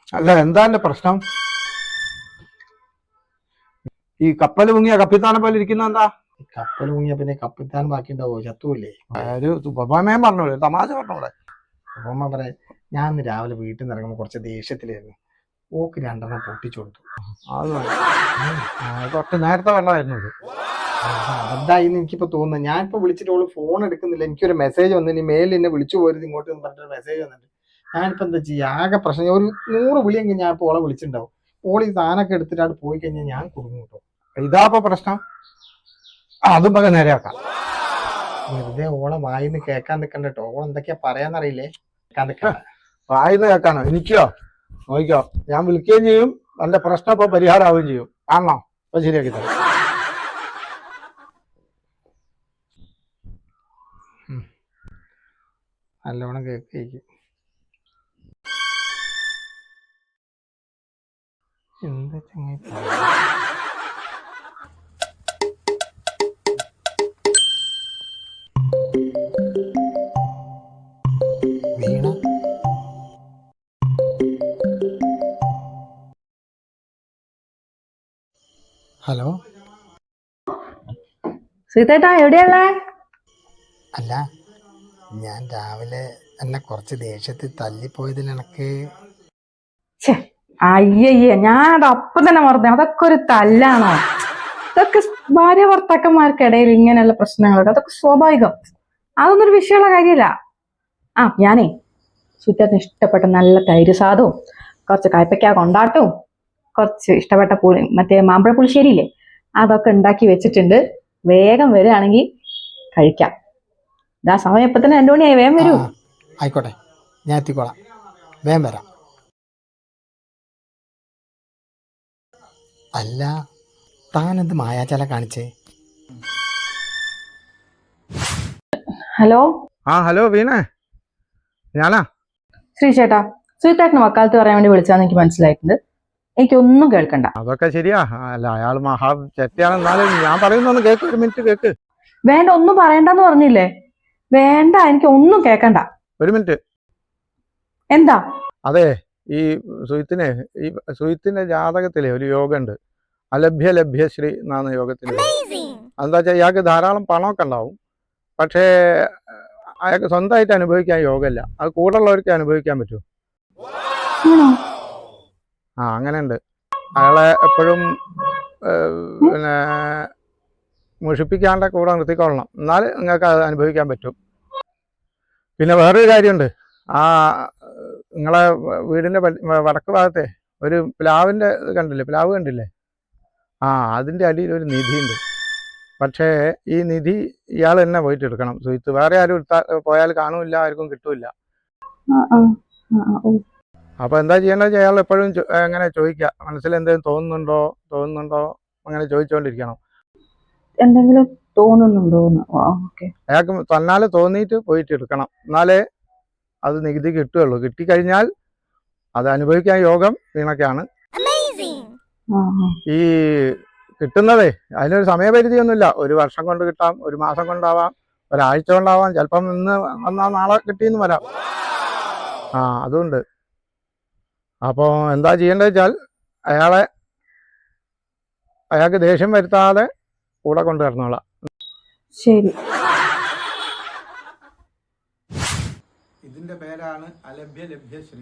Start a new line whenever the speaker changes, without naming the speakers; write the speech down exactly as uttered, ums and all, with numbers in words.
അല്ല, എന്താ എന്റെ പ്രശ്നം? ഈ കപ്പൽ മുങ്ങിയ കപ്പിത്താനെ പോലെ ഇരിക്കുന്ന എന്താ?
കപ്പൽ മുങ്ങിയ പിന്നെ കപ്പിത്താൻ ബാക്കി ഉണ്ടാവോ? ചത്തൂല്ലേ?
ഒരു ഉപമയം പറഞ്ഞോളൂ, തമാശ പറഞ്ഞോളെ.
ഉപമ പറയാൻ, ഞാൻ ഇന്ന് രാവിലെ വീട്ടിൽ നിന്ന് ഇറങ്ങുമ്പോൾ കുറച്ച് ദേഷ്യത്തിലായിരുന്നു. ഓക്ക് രണ്ടെണ്ണം പൊട്ടിച്ചു കൊടുത്തു.
അത് തൊട്ട് നേരത്തെ വെള്ളമായിരുന്നു ഇത്.
അതായിന്ന് എനിക്കിപ്പോ തോന്നുന്നത്. ഞാനിപ്പോ വിളിച്ചിട്ട് ഓള് ഫോൺ എടുക്കുന്നില്ല. എനിക്കൊരു മെസ്സേജ് വന്നു, ഇനി മേലിൽ എന്നെ വിളിച്ചു പോരുത് ഇങ്ങോട്ട് പറഞ്ഞിട്ട് മെസ്സേജ് വന്നിട്ട് ഞാനിപ്പോ എന്താ ചെയ്യാ? ആകെ പ്രശ്നം. ഒരു നൂറ് വിളിയെങ്കിൽ ഞാൻ ഇപ്പോൾ ഓളെ വിളിച്ചിട്ടുണ്ടാവും. ഓൾ ഈ സാധനമൊക്കെ എടുത്തിട്ട് പോയി കഴിഞ്ഞാൽ ഞാൻ കുടുങ്ങും കേട്ടോ.
ഇതാപ്പോ പ്രശ്നം. അതും പക നേരെയാക്കാം.
വെറുതെ ഓളെ വായിന്ന് കേൾക്കാൻ നിൽക്കണ്ട കേട്ടോ. ഓൾ എന്തൊക്കെയാ പറയാന്നറിയില്ലേ? കേൾക്കാൻ നിൽക്കണ്ട.
വായിന്ന് കേൾക്കാനോ? എനിക്കോ? നോക്കിക്കോ, ഞാൻ വിളിക്കുകയും ചെയ്യും, എന്റെ പ്രശ്നം ഇപ്പൊ പരിഹാരമാവുകയും ചെയ്യും. കാണണോ? അപ്പൊ ശരിയാക്കി തരാം.
നല്ലോണം കേൾക്കും. എന്താ ചങ്ങായി? വീണ ഹലോ,
സീതേട്ടാ എവിടെയല്ലേ?
അല്ല, ഞാൻ രാവിലെ എന്നെ കുറച്ച് ദേഷ്യത്തിൽ തല്ലിപ്പോയതിൽ എനക്ക്
അയ്യയ്യ, ഞാനത് അപ്പം തന്നെ മറന്നു. അതൊക്കെ ഒരു തല്ലാണോ? ഇതൊക്കെ ഭാര്യ ഭർത്താക്കന്മാർക്കിടയിൽ ഇങ്ങനെയുള്ള പ്രശ്നങ്ങളൊക്കെ അതൊക്കെ സ്വാഭാവികം. അതൊന്നും ഒരു വിഷയമുള്ള കാര്യമല്ല. ആ ഞാനേ സുറ്റത്തിന് ഇഷ്ടപ്പെട്ട നല്ല തൈര് സാധവും കുറച്ച് കയ്പയ്ക്ക കൊണ്ടാട്ടവും കുറച്ച് ഇഷ്ടപ്പെട്ട പുളി മറ്റേ മാമ്പഴ പുളിശ്ശേരിയില്ലേ, അതൊക്കെ ഉണ്ടാക്കി വെച്ചിട്ടുണ്ട്. വേഗം വരികയാണെങ്കിൽ കഴിക്കാം. ഇതാ സമയം ഇപ്പൊ തന്നെ രണ്ടു മണിയായി. വേഗം വരൂ.
ആയിക്കോട്ടെ, ഞാൻ എത്തിക്കോളാം. വേഗം വരാം. അല്ല, താനെന്ത് മായാചാല കാണിച്ചേ?
ഹലോ.
ആ ഹലോ വീണേ, ഞാനാ.
ശ്രീ ചേട്ടാ, ശ്രീതേട്ടന് വക്കാലത്ത് പറയാൻ വേണ്ടി വിളിച്ചാന്ന് എനിക്ക് മനസ്സിലായിട്ടുണ്ട്. എനിക്കൊന്നും കേൾക്കണ്ട.
അതൊക്കെ ശരിയാ. അല്ല, അയാൾ മഹാ ചെറ്റയാണെന്നാലും ഞാൻ പറയുന്നൊന്ന് കേക്ക്. ഒരു മിനിറ്റ് കേക്ക്.
വേണ്ട, ഒന്നും പറയണ്ടെന്ന് പറഞ്ഞില്ലേ? വേണ്ട, എനിക്ക് ഒന്നും കേൾക്കണ്ട.
ഒരു മിനിറ്റ്.
എന്താ?
അതെ, ഈ സുഹിത്തിനെ ഈ സുഹിത്തിന്റെ ജാതകത്തിലെ ഒരു യോഗ ഉണ്ട്, അലഭ്യ ലഭ്യശ്രീ എന്നാണ് യോഗത്തിന്. എന്താ വെച്ചാൽ ഇയാൾക്ക് ധാരാളം പണമൊക്കെ ഉണ്ടാവും, പക്ഷേ അയാൾക്ക് സ്വന്തമായിട്ട് അനുഭവിക്കാൻ യോഗമില്ല. അത് കൂടുള്ളവർക്ക് അനുഭവിക്കാൻ പറ്റും. ആ അങ്ങനെ ഉണ്ട്. അയാളെ എപ്പോഴും പിന്നെ മുഷിപ്പിക്കാണ്ട് കൂടെ നിർത്തിക്കൊള്ളണം, എന്നാൽ നിങ്ങൾക്ക് അത് അനുഭവിക്കാൻ പറ്റും. പിന്നെ വേറൊരു കാര്യമുണ്ട്. ആ നിങ്ങളെ വീടിൻ്റെ വടക്ക് ഭാഗത്തെ ഒരു പ്ലാവിൻ്റെ കണ്ടില്ലേ, പ്ലാവ് കണ്ടില്ലേ? ആ അതിൻ്റെ അടിയിൽ ഒരു നിധിയുണ്ട്. പക്ഷേ ഈ നിധി ഇയാൾ തന്നെ പോയിട്ട് എടുക്കണം. സുഹിത്ത് വേറെ ആരും എടുത്താൽ പോയാൽ കാണൂല്ല, ആർക്കും കിട്ടൂല. അപ്പൊ എന്താ ചെയ്യേണ്ടത് വെച്ചാൽ അയാൾ എപ്പോഴും അങ്ങനെ ചോദിക്കുക, മനസ്സിൽ എന്തെങ്കിലും തോന്നുന്നുണ്ടോ തോന്നുന്നുണ്ടോ അങ്ങനെ ചോദിച്ചുകൊണ്ടിരിക്കണം.
എന്തെങ്കിലും തോന്നുന്നുണ്ടോ?
അയാൾക്ക് തന്നാലെ തോന്നിയിട്ട് പോയിട്ട് എടുക്കണം, എന്നാലേ അത് നികുതി കിട്ടുകയുള്ളൂ. കിട്ടിക്കഴിഞ്ഞാൽ അത് അനുഭവിക്കാൻ യോഗം വീണൊക്കെയാണ്. ഈ കിട്ടുന്നതേ അതിനൊരു സമയപരിധിയൊന്നുമില്ല. ഒരു വർഷം കൊണ്ട് കിട്ടാം, ഒരു മാസം കൊണ്ടാവാം, ഒരാഴ്ച കൊണ്ടാവാം, ചിലപ്പം ഇന്ന് വന്നാൽ നാളെ കിട്ടിയെന്ന് വരാം. ആ അതുണ്ട്. അപ്പോൾ എന്താ ചെയ്യേണ്ടത് വെച്ചാൽ അയാളെ അയാൾക്ക് ദേഷ്യം വരുത്താതെ കൂടെ കൊണ്ടുവരണോളാം.
ശരി.
ഇതിന്റെ പേരാണ് അലഭ്യ ലഭ്യശ്രീ.